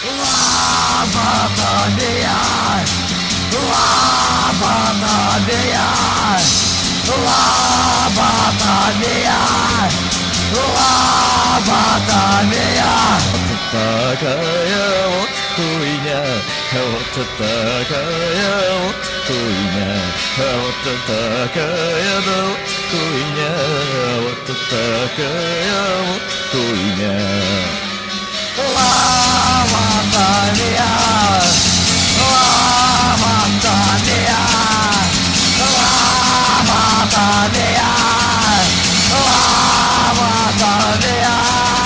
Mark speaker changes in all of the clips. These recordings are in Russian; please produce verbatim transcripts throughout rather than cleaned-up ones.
Speaker 1: Лоботомия, лоботомия, лоботомия, лоботомия. Вот такая вот хуйня, вот такая вот хуйня, вот такая вот хуйня, вот такая вот хуйня. Лоботомия, лоботомия, лоботомия, лоботомия.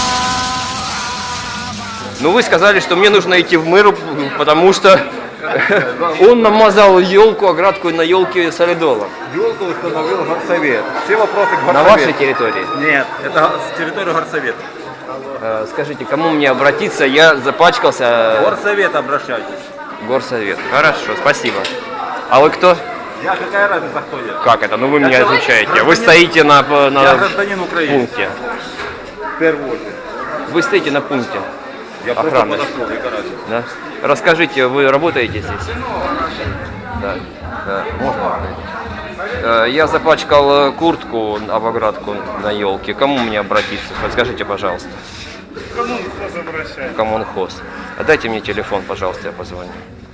Speaker 2: Ну вы сказали, что мне нужно идти в мэр, потому что он намазал елку, оградку на елке солидола.
Speaker 3: Елку установил горсовет. Все вопросы к горсовету.
Speaker 2: На вашей территории?
Speaker 3: Нет, это с территории горсовета.
Speaker 2: Э, Скажите, кому мне обратиться? Я запачкался.
Speaker 3: Горсовет обращайтесь.
Speaker 2: Горсовет. Хорошо, спасибо. А вы кто?
Speaker 3: Я какая разница, кто я?
Speaker 2: Как это? Ну вы
Speaker 3: Я
Speaker 2: меня
Speaker 3: человек,
Speaker 2: изучаете. Вы
Speaker 3: гражданин.
Speaker 2: стоите на,
Speaker 3: Я
Speaker 2: на
Speaker 3: гражданин Украины.
Speaker 2: пункте.
Speaker 3: В первую очередь.
Speaker 2: Вы стоите на пункте.
Speaker 3: Я просто
Speaker 2: Охраны.
Speaker 3: подошел, яка разница.
Speaker 2: Да? Расскажите, вы работаете здесь? Да. Да. Можно? Э, Я запачкал э, куртку об оградку на елке. Кому мне обратиться? Подскажите, пожалуйста.
Speaker 4: Коммунхоз обращается.
Speaker 2: Коммунхоз. А дайте мне телефон, пожалуйста, я позвоню.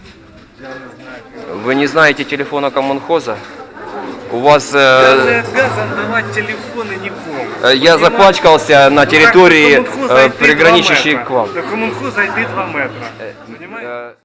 Speaker 2: Вы не знаете телефона коммунхоза? У вас...
Speaker 4: Я
Speaker 2: э,
Speaker 4: не обязан давать телефоны никому.
Speaker 2: э, я
Speaker 4: Понимаете?
Speaker 2: запачкался на территории,
Speaker 4: До коммунхоза
Speaker 2: э,
Speaker 4: йти два
Speaker 2: приграничащей
Speaker 4: метра.
Speaker 2: к вам.
Speaker 4: До коммунхоза йти два метра. Понимаете?
Speaker 2: Э,